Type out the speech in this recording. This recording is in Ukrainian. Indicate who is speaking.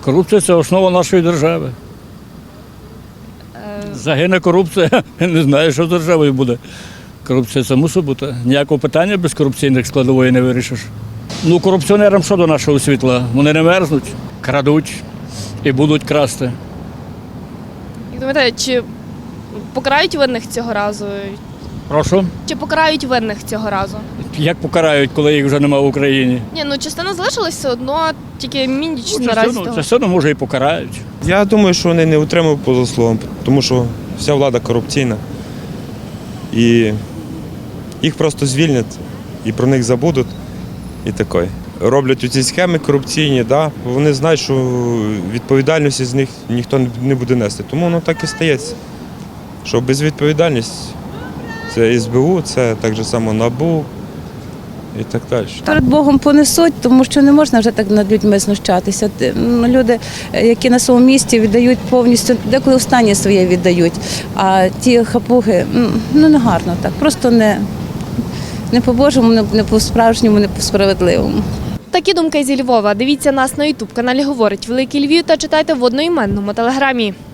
Speaker 1: Корупція – це основа нашої держави. Загине корупція, не знаю, що з державою буде. Корупція – це мусить бути. Ніякого питання без корупційних складової не вирішиш. Ну, корупціонерам що до нашого світла? Вони не мерзнуть, крадуть і будуть красти.
Speaker 2: Як думаєте, чи покарають винних цього разу?
Speaker 1: Прошу?
Speaker 2: Чи покарають винних цього разу?
Speaker 1: Як покарають, коли їх вже немає в Україні?
Speaker 2: Ні, ну частина залишилась все одно, тільки мінніч наразі того.
Speaker 1: Частину, може, і покарають.
Speaker 3: Я думаю, що вони не утримують по заслугам, тому що вся влада корупційна. І їх просто звільнять, і про них забудуть. І таке. Роблять ці схеми корупційні, да? Вони знають, що відповідальності з них ніхто не буде нести. Тому воно так і стається. Що безвідповідальність це СБУ, це так же само НАБУ і так далі.
Speaker 4: Перед Богом понесуть, тому що не можна вже так над людьми знущатися. Люди, які на своєму місці віддають повністю, деколи останнє своє віддають, а ті хапуги, ну не гарно так, просто не по-божому, не по-справжньому, не по-справедливому.
Speaker 2: Такі думки зі Львова. Дивіться нас на ютуб-каналі «Говорить Великий Львів» та читайте в одноіменному телеграмі.